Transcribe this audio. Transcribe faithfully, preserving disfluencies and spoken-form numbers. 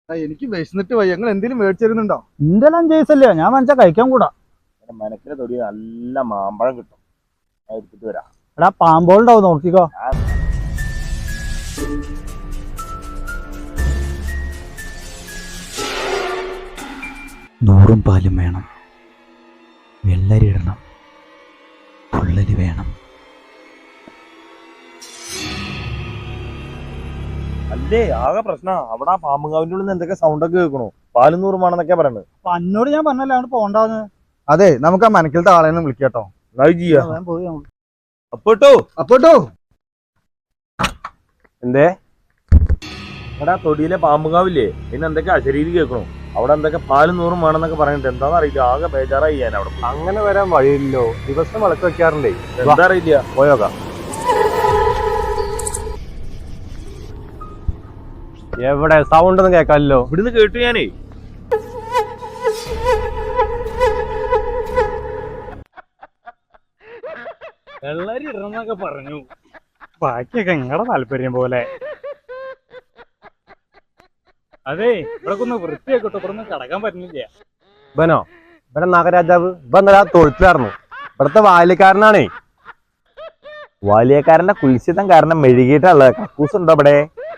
എനിക്ക് വിശന്നിട്ട് പോയി. ഞങ്ങൾ എന്തെങ്കിലും മേടിച്ചിരുന്നുണ്ടോ? ഇന്റെല്ലാം ജയിസല്ലേ, ഞാൻ മനസ്സിലാ കഴിക്കാൻ കൂടാ. മനക്കിലെ തൊടി നല്ല മാമ്പഴം കിട്ടും, എടുത്തിട്ട് വരാം. എടാ പാമ്പോളുണ്ടാവും, നോക്കിക്കോ. നൂറും പാലും വേണം, വെള്ളരി ഇടണം, പുള്ളരി വേണം. അല്ലേ ആകെ പ്രശ്നം അവിടെ ആ പാമ്പുകാവിന്റെ ഉള്ളിൽ നിന്ന് എന്തൊക്കെ സൗണ്ട് ഒക്കെ കേൾക്കണു. പാലും നൂറുമാണെന്നൊക്കെ പറയണത്. അപ്പൊ അന്നോട് ഞാൻ പറഞ്ഞല്ലേ അവന് പോണ്ടാന്ന്. അതെ, നമുക്ക് ആ മനക്കിലത്തെ ആളെന്ന് വിളിക്കാട്ടോ. പോയി അപ്പോട്ടോ അപ്പോട്ടോ എന്തേ ഇവിടെ തൊടിയിലെ പാമ്പുകാവില്ലേ, പിന്നെ എന്തൊക്കെ അശരീരി കേൾക്കണു. അവിടെ എന്തൊക്കെ പാലും നൂറും വേണമെന്നൊക്കെ പറഞ്ഞിട്ട് എന്താന്ന് അറിയില്ല. ആകെ ബേജാറായി ഞാൻ അവിടെ. അങ്ങനെ വരാൻ വഴിയില്ലോ, ദിവസം വിളക്ക് വെക്കാറുണ്ടേ. എന്താ അറിയില്ല, പോയോക്കാം. എവിടെ സൗണ്ട് ഒന്നും കേൾക്കാമല്ലോ. ഇവിടുന്ന് കേട്ടു ഞാനേ. വെള്ളരി ഇടണമെന്നൊക്കെ പറഞ്ഞു. ബാക്കിയൊക്കെ നിങ്ങളുടെ താല്പര്യം പോലെ. അതെ, ഇവിടെ ഒന്ന് വൃത്തിയാക്കട്ടോ, ഇവിടെ ഒന്നും കിടക്കാൻ പറ്റുന്നില്ല. ഇവനോ? ഇവിടെ നാഗരാജാവ് ഇവ എന്താ തൊഴുത്തിലായിരുന്നു. ഇവിടുത്തെ വാല്യക്കാരനാണേ. വാല്യക്കാരന്റെ കുൽസിതം കാരണം മെഴുകിയിട്ടുള്ളത്. കക്കൂസ് ഉണ്ടോ ഇവിടെ?